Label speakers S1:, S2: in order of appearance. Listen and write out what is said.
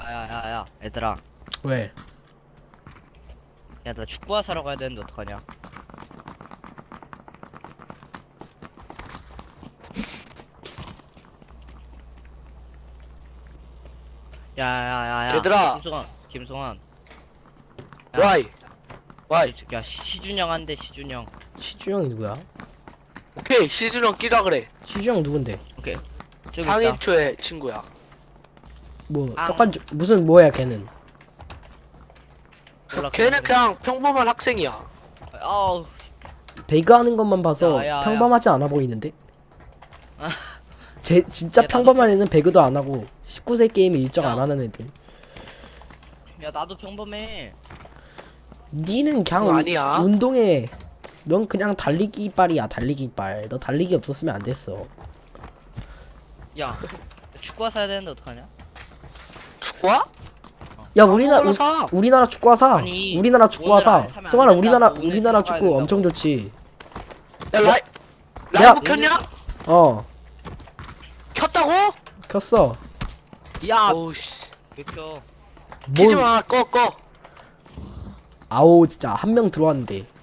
S1: 야야야야 얘들아,
S2: 왜?
S1: 야 나 축구화 사러 가야 되는데 어떡하냐? 야야야야
S3: 얘들아.
S1: 김승환 야,
S3: 와이 와이.
S1: 야 시준영 한대. 시준영.
S2: 시주형이 누구야?
S3: 오케이 시즈런 끼라 그래.
S2: 시주형 누군데?
S1: 오케이 저기 있다.
S3: 장인초의 친구야.
S2: 뭐
S1: 아.
S2: 똑같이 무슨 뭐야 걔는?
S1: 몰라,
S3: 걔는 그냥 평범한 학생이야.
S1: 아우
S2: 배그 하는 것만 봐서
S1: 야, 야, 야.
S2: 평범하지 않아 보이는데?
S1: 아.
S2: 제 진짜
S1: 야, 나도-
S2: 평범한 애는 배그도 안 하고 19세 게임에 일정
S1: 야.
S2: 안 하는 애들.
S1: 야 나도 평범해.
S2: 니는 그냥
S3: 그거 아니야.
S2: 운동해. 넌 그냥 달리기 이빨이야, 달리기 이빨. 너 달리기 없었으면 안 됐어.
S1: 야 축구화 사야 되는데 어떡하냐?
S3: 축구야?
S2: 야 우리나라
S3: 아무거나 사.
S2: 우리나라 축구화 사.
S1: 아니,
S2: 우리나라 축구화
S1: 오늘
S2: 사.
S1: 안 사면 안
S2: 승환아
S1: 된다고.
S2: 우리나라
S1: 오늘
S2: 우리나라
S1: 사가야
S2: 축구
S1: 된다고.
S2: 엄청 좋지.
S3: 야
S2: 야.
S3: 라이브 켰냐?
S2: 어
S3: 켰다고?
S2: 켰어.
S1: 야
S3: 오우씨.
S1: 왜 켜?
S3: 키지
S2: 뭘
S3: 마. 꺼.
S2: 아오 진짜 한 명 들어왔는데.